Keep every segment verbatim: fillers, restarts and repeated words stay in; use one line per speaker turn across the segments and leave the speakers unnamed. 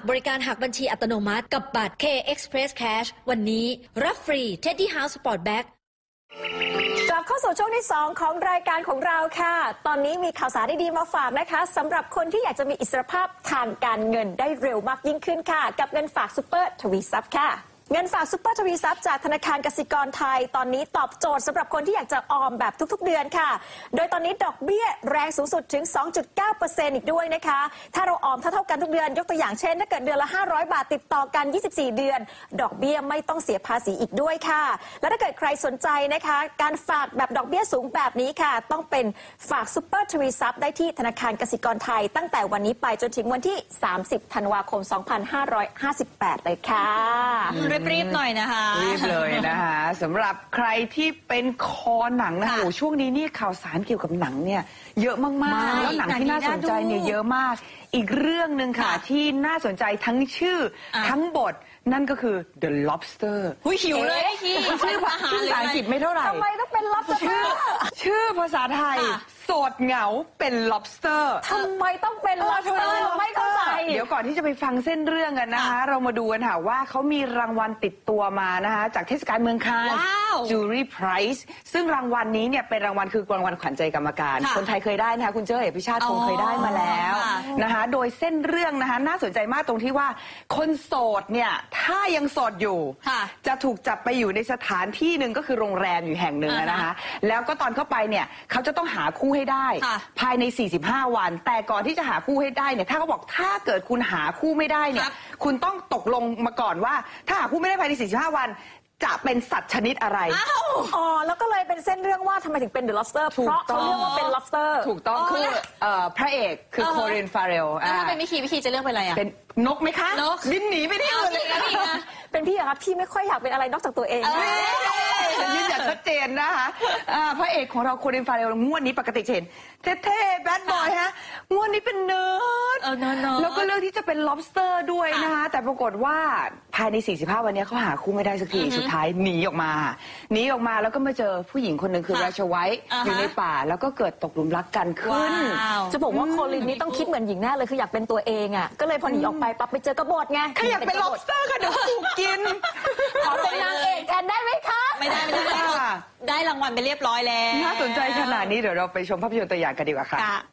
บริการหักบัญชีอัตโนมัติกับบัตร K Express Cash วันนี้รับฟรี Teddy House Sport Bag
กลับเข้าสู่ช่วงที่สองของรายการของเราค่ะตอนนี้มีข่าวสารดีๆมาฝากนะคะสำหรับคนที่อยากจะมีอิสรภาพทางการเงินได้เร็วมากยิ่งขึ้นค่ะกับเงินฝากซุปเปอร์ทวีทรัพย์ค่ะเงินฝากซุปเปอร์ทวีทรัพย์จากธนาคารกสิกรไทยตอนนี้ตอบโจทย์สำหรับคนที่อยากจะออมแบบทุกๆเดือนค่ะโดยตอนนี้ดอกเบี้ยแรงสูงสุดถึง สองจุดเก้าเปอร์เซ็นต์ อีกด้วยนะคะถ้าเราออมเท่าๆกันทุกเดือนยกตัวอย่างเช่นถ้าเกิดเดือนละห้าร้อยบาทติดต่อกันยี่สิบสี่เดือนดอกเบี้ยไม่ต้องเสียภาษีอีกด้วยค่ะและถ้าเกิดใครสนใจนะคะการฝากแบบดอกเบี้ยสูงแบบนี้ค่ะต้องเป็นฝากซุปเปอร์ทวีทรัพย์ได้ที่ธนาคารกสิกรไทยตั้งแต่วันนี้ไปจนถึงวันที่สามสิบธันวาคมสองพันห้าร้อยห้าสิบแปดเลยค่ะ
รีบๆหน่อยนะคะ
รีบเลยนะคะสำหรับใครที่เป็นคอหนังนะโอ้ช่วงนี้นี่ข่าวสารเกี่ยวกับหนังเนี่ยเยอะมากๆแล้วหนังที่น่าสนใจเนี่ยเยอะมากอีกเรื่องหนึ่งค่ะที่น่าสนใจทั้งชื่อทั้งบทนั่นก็คือ The Lobster
หุยหิวเลยพี่
ชื่อภาษาอังกฤษไม่เท่าไหร่
ทำไมต้องเป็น lobster
ชื่อภาษาไทยโสดเหงาเป็น lobster
ทำไมต้องเป็น lobster ไม่เข้าใจ
เดี๋ยวก่อนที่จะไปฟังเส้นเรื่องกันนะคะเรามาดูกันค่ะว่าเขามีรางวัลติดตัวมานะคะจากเทศกาลเมืองคานส์ Jury Prize ซึ่งรางวัลนี้เนี่ยเป็นรางวัลคือรางวัลขวัญใจกรรมการคนไทยเคยได้นะคะคุณเจ้าเอกพิชาติคงเคยได้มาแล้วนะคะโดยเส้นเรื่องนะคะน่าสนใจมากตรงที่ว่าคนโสดเนี่ยถ้ายังโสดอยู่จะถูกจับไปอยู่ในสถานที่หนึ่งก็คือโรงแรมอยู่แห่งหนึ่งนะคะแล้วก็ตอนเข้าไปเนี่ยเขาจะต้องหาคู่ให้ได้ภายในสี่สิบห้าวันแต่ก่อนที่จะหาคู่ให้ได้เนี่ยถ้าเขาบอกถ้าเกิดคุณหาคู่ไม่ได้เนี่ยคุณต้องตกลงมาก่อนว่าถ้าหาคู่ไม่ได้ภายในสี่สิบห้าวันจะเป็นสัตว์ชนิดอะไร
อ๋อแล้วก็เลยเป็นเส้นเรื่องว่าทำไมถึงเป็น The Lobster เพราะเขาเรียกว่าเป็น lobster
ถูกต้องคือพระเอกคือโคลิน ฟาเรล
แล้วถ้าเป็นวิคีวิคีจะเลือกเป็นอะไรอ่ะ
เป็นนกไหมคะนกบินหนีไปที่อื่นเลยนะ
เป็นพี่อะครับพี่ไม่ค่อยอยากเป็นอะไรนอกจากตัวเอง
ยืนยันชัดเจนนะคะพระเอกของเราโคลิน ฟาเรลงวดนี้ปกติเห็นเท่ๆแบดบอยฮะงวดนี้เป็นเนิร์ดแล้วก็เลือกที่จะเป็น lobster ด้วยนะคะแต่ปรากฏว่าภายในสี่สิบห้าวันนี้เขาหาคู่ไม่ได้สักทีสุดท้ายหนีออกมาหนีออกมาแล้วก็มาเจอผู้หญิงคนหนึ่งคือราชไวท์อยู่ในป่าแล้วก็เกิดตกหลุมรักกันขึ้น
จะบอกว่าโคลินนี่ต้องคิดเหมือนหญิงแน่เลยคืออยากเป็นตัวเองอ่ะก็เลยพอหนีออกไปปั๊บไปเจอกบฏไง
ใครอยากเป็น lobster ค่ะเดี๋ยวถูกกิน
ขอเป็นนางเอกแทนได้ไหมคะ
ไม่ได้ไม่ได้ได้รางวัลไปเรียบร้อยแล้ว
น่าสนใจขนาดนี้เดี๋ยวเราไปชมภาพยนตร์ตัวอย่างกันดีกว่าค่ะ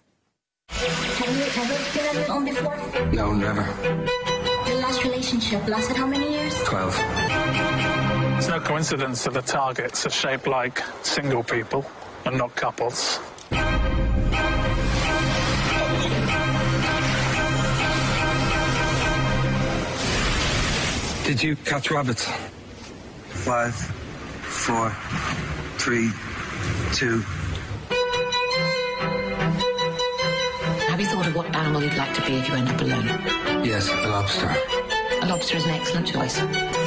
No, never.
Your last relationship lasted how many years?
Twelve.
It's no coincidence that the targets are shaped like single people and not couples.
Did you catch rabbits? Five, four, three, two.
Have you thought of what animal you'd like to be if you end up alone?
Yes, a lobster.
A lobster is an excellent choice.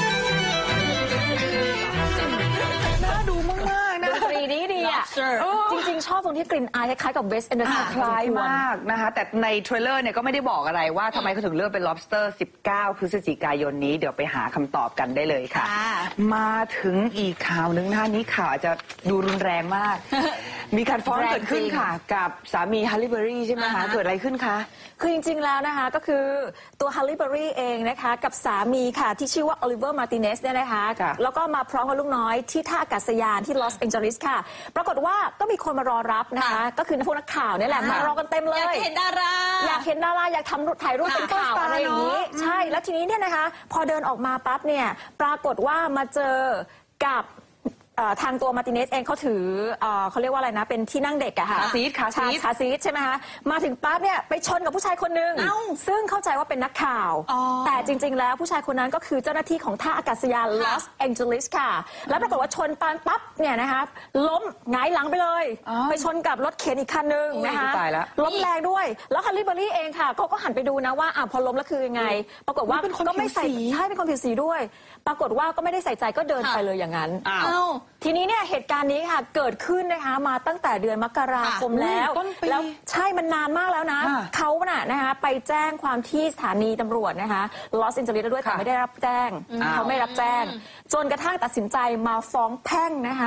น่าดูมากๆนะ
ดนตรีดีดีอ่ะจริงๆชอบตรงที่กลิ่นอายคล้ายๆกับเวสแอนเดอร์สัน
คล้ายมากนะคะแต่ในเทรลเลอร์เนี่ยก็ไม่ได้บอกอะไรว่าทำไมเขาถึงเลือกเป็น lobster สิบเก้าพฤศจิกายนนี้เดี๋ยวไปหาคำตอบกันได้เลยค่ะมาถึงอีกข่าวนึงนะนี้ข่าวจะดูรุนแรงมากมีการฟ้องเกิดขึ้นค่ะกับสามีฮัลลี่เบอรี่ใช่ไหมคะเกิดอะไรขึ้นคะ
คือจริงๆแล้วนะคะก็คือตัวฮัลลี่เบอรี่เองนะคะกับสามีค่ะที่ชื่อว่าโอลิเวอร์มาร์ติเนสเนี่ยนะคะแล้วก็มาพร้อมกับลูกน้อยที่ท่าอากาศยานที่ลอสแองเจลิสค่ะปรากฏว่าก็มีคนมารอรับนะคะก็คือพวกนักข่าวนี่แหละมารอกันเต็มเลย
อยากเห็นดารา
อยากเห็นดาราอยากทำถ่ายรูปเป็นข่าวอะไรอย่างนี้ใช่แล้วทีนี้เนี่ยนะคะพอเดินออกมาปั๊บเนี่ยปรากฏว่ามาเจอกับทางตัวมาร์ติเนสเองเขาถือเขาเรียกว่าอะไรนะเป็นที่นั่งเด็กอะค่ะ
คาซีทคาซีท
คาซีทใช่ไหมคะมาถึงปั๊บเนี่ยไปชนกับผู้ชายคนนึงซึ่งเข้าใจว่าเป็นนักข่าวแต่จริงๆแล้วผู้ชายคนนั้นก็คือเจ้าหน้าที่ของท่าอากาศยานลอสแองเจลิสค่ะแล้วปรากฏว่าชนปานปั๊บเนี่ยนะคะล้มหงายหลังไปเลยไปชนกับรถเข็นอีกคันนึงนะคะล้มแรงด้วยแล้วฮัลลี่เบอรี่เองค่ะเขาก็หันไปดูนะว่าอ่ะพอล้มแล้วคือยังไงปรากฏว่าก็ไม่ใส่ใช่เป็นคนผิวสีด้วยปรากฏว่าก็ไม่ได้ใส่ใจก็เดินไปเลยอย่างนั้นทีนี้เนี่ยเหตุการณ์นี้ค่ะเกิดขึ้นนะคะมาตั้งแต่เดือนมกราคมแล้วแล้วใช่มันนานมากแล้วนะเขาน่ะนะคะไปแจ้งความที่สถานีตำรวจนะคะลอสแองเจลิสด้วยแต่ไม่ได้รับแจ้งเขาไม่รับแจ้งจนกระทั่งตัดสินใจมาฟ้องแพ่งนะคะ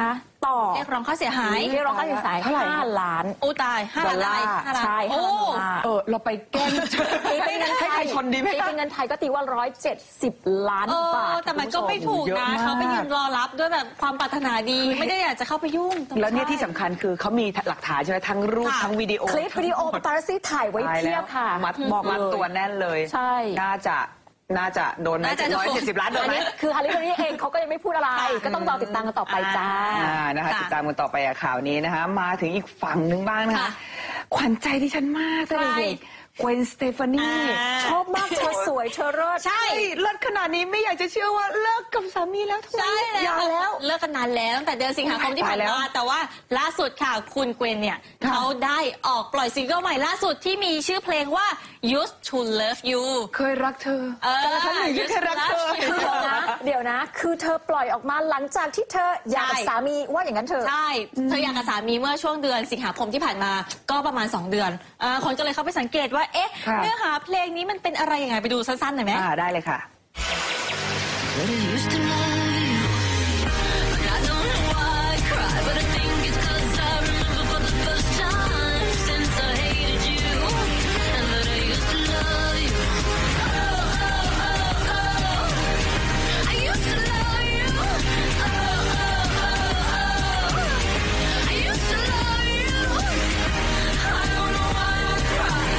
ต่อ
เรียกร้องค่าเสียหาย
เรียกร้องค่าเสียหาย
เท่าไหร่
ห้าล้าน
โอ้ตายห้าล้าน
ดอลลาร์
ห้าล้าน
ใช่
โอ้
ห้าล้าน
เออเราไปแกล้ง
ตีเป็นเงินไท
ให้
ย
ใครชนดีไหม
ตีเป็นเงินไทยก็ตีว่าร้อยเจ็ดสิบล้าน
เอบ
า
อ
ท
แต่มันก็ไม่ถูก
เยอะ
นะ
มาก
เขาไปยืนรอรับด้วยแบบความปรารถนาดี ไม่ได้อยากจะเข้าไปยุ่ง
แล้วเนี่ยที่สำคัญคือเขามีหลักฐานใช่ไหมทั้งรูป
ค่ะ
ทั้งวิดีโอ
คลิปวิดีโอปาปารัสซี่ถ่ายไว้
ตาย
เพี
แล้
ยว บค่ะ
มัด
บอก
มัด
เลย
ตัวแน่นเลย
ใช่
น่าจะน่าจะโดนไหม
น่าจะโดน
ร้อยเจ็ดสิบล้านโดน
อัน
ไหม
นี้คือฮาริเบอรี่เองเขาก็ยังไม่พูดอะไร ก็ต้องรอติดตามกันต่อไปจ้า
อ่านะคะ
ค่ะ
ติดตามกันต่อไปกับข่าวนี้นะคะ มาถึงอีกฝั่งหนึ่งบ้างนะคะ
ค่ะ
ขวัญใจที่ฉันมากตั้งแต่เด็กเกวนสเตฟานี
อ่า
ชอบมากเธอสวยเธอเลิศ
ใช่
เฮ้ยเลิศขนาดนี้ไม่อยากจะเชื่อว่าเลิกกับสามีแล้วทำไม
ใช่
หย่าแล้ว
เลิกกันนานแล้วตั้งแต่เดือนสิงหาคมที่ผ่าน
ตายแล้ว
มาแต่ว่าล่าสุดค่ะคุณเกวนเนี่ย
ค่ะ
เขาได้ออกปล่อยซิงเกิลใหม่ล่าสุดที่มีชื่อเพลงว่า Used to Love You
เคยรักเธอ
เออ
แต่ฉันหนึ่งที่เคยรักเธอ
Used to
เดี๋ยว
Love
นะ เดี๋ยวนะ คือเธอปล่อยออกมาหลังจากที่เธอหย่ากับ
ใช่
สามีว่าอย่างนั้นเถอะ
ใช่ เธออยากกับสามีเมื่อช่วงเดือนสิงหาคมที่ผ่านมาก็ประมาณ สอง เดือนอ่าคนก็เลยเข้าไปสังเกตว่า เอ๊ะ
ค่ะ
เนื้อหาเพลงนี้มันเป็นอะไรยังไงไปดูสั้นๆหน่อยไหม
อ่าได้เลยค่ะ
But I used to love you. And I don't know why I cry, but I think it's 'cause I remember for the first time since I hated you. And that I used to love you. Oh, oh, oh, oh. I used to love you. Oh, oh, oh, oh. I used to love you. I don't know why I cry.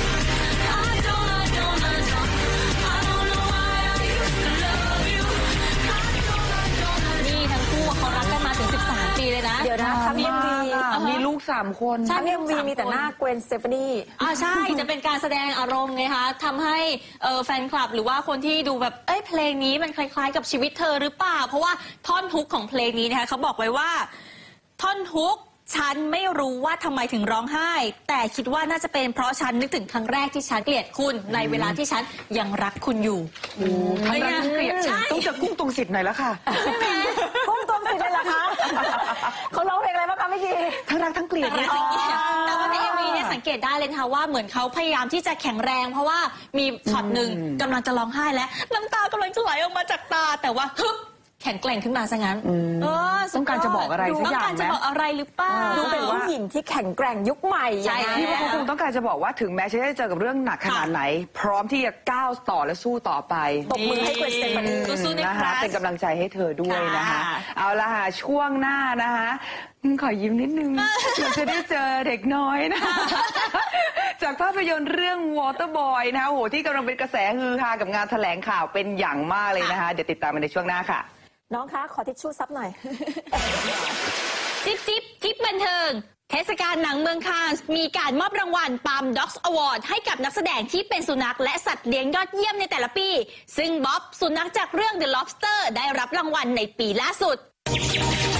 I don't, I don't, I don't. I don't know why I used to love you. I don't, I don't, I don't.
นี่ทั้งคู่เขารักกันมาถึง สิบสาม ปีเลยนะ
เดี๋ยวนะทั้ง
มี
เอ็มวี
มีลูกสามคน
ใช่
ทั้งเอ็มวีมีแต่หน้าเกวนสเตฟานี
อ่าใช่ จะเป็นการแสดงอารมณ์ไงคะทำให้เอ่อแฟนคลับหรือว่าคนที่ดูแบบเอ้ยเพลงนี้มันคล้ายๆกับชีวิตเธอหรือเปล่า เพราะว่าท่อนฮุกของเพลงนี้นะคะเขาบอกไว้ว่า ท่อนฮุกฉันไม่รู้ว่าทำไมถึงร้องไห้ แต่คิดว่าน่าจะเป็นเพราะฉันนึกถึงครั้งแรกที่ฉันเกลียดคุณในเวลาที่ฉันยังรักคุณอยู่
ทั้งรักทั้งเกลียด
ใช่
ต้องเจอกุ้งตรงสิทธิ์หน่อยแล้วค่ะ
พุ่งตรงสิเลยเหรอคะเขาร้องเพลงอะไรบ้างคะเมื่อกี้
ทั้งรักทั้งเกลียด
แต่
เนี่ย
ว่าในเอ็มวีเนี่ยสังเกตได้เลยนะคะว่าเหมือนเขาพยายามที่จะแข็งแรง เพราะว่ามีช็อตหนึ่งกำลังจะร้องไห้แล้วน้ำตากำลังจะไหลออกมาจากตา แต่ว่าฮึบแข็งแกร่งขึ้นมาซะงั้นเออสุดย
ต้องการจะบอกอะไรสักอย่าง
ต้องการจะ
ไหม
บอกอะไรหรือเปล่า
ดูเป็นผู้หญิงที่แข็งแกร่งยุคใหม่
ใช่
อย่าง
พี่
นั้น
ว่าเขาคงต้องการจะบอกว่าถึงแม้ฉันจะเจอกับเรื่องหนักขนาดไหน พร้อมที่จะก้าวต่อและสู้ต่อไป
ตบมือให้เกวนสเตฟานี
สู้ๆนะ
นะคะ
คะ
เป็นกำลังใจให้เธอด้วยนะคะ
ค่ะ
เอาละค่ะช่วงหน้านะคะอืมขอยิ้มนิดนึงเราจะได้เจอเด็กน้อยนะ จากภาพยนตร์เรื่อง Waterboy นะคะโหที่กำลังเป็นกระแสฮือฮากับงานแถลงข่าวเป็นอย่างมากเลยนะคะ เดี๋ยวติดตามกันในช่วงหน้าค่ะ
น้องคะขอทิชชู่ซับหน่อย
จิ๊บจิ๊บจิ๊บบันเทิง เทศกาลหนังเมืองคานส์มีการมอบรางวัล Palm Dogs Award ให้กับนักแสดงที่เป็นสุนัขและสัตว์เลี้ยงยอดเยี่ยมในแต่ละปี ซึ่งบ๊อบสุนัขจากเรื่อง The Lobster ได้รับรางวัลในปีล่าสุด